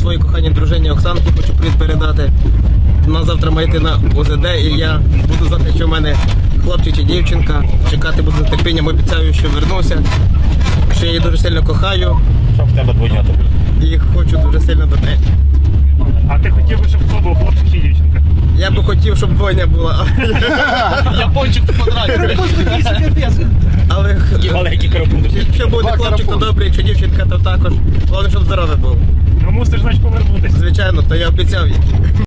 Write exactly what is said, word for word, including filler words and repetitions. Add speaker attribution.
Speaker 1: своїй коханій дружині Оксанці хочу привіт передати. Вона завтра має йти на О З Д, і я буду знати, що в мене хлопчик чи дівчинка. Чекати буду з нетерпінням, обіцяю, що вернуся. Що я її дуже сильно кохаю.
Speaker 2: Щоб в тебе двойнята були.
Speaker 1: І хочу дуже сильно до неї.
Speaker 2: А ти хотів би, щоб хто був, хлопчик чи дівчинка?
Speaker 1: Я би хотів, щоб двойня була.
Speaker 3: Япончик в квадраті.
Speaker 1: Але
Speaker 2: І маленький карапуз.
Speaker 1: якщо буде хлопчик, то добре, якщо дівчинка, то також. Головне, щоб здоровий був.
Speaker 2: Ну мусиш, значить, повернутися.
Speaker 1: Звичайно, то я обіцяв їй.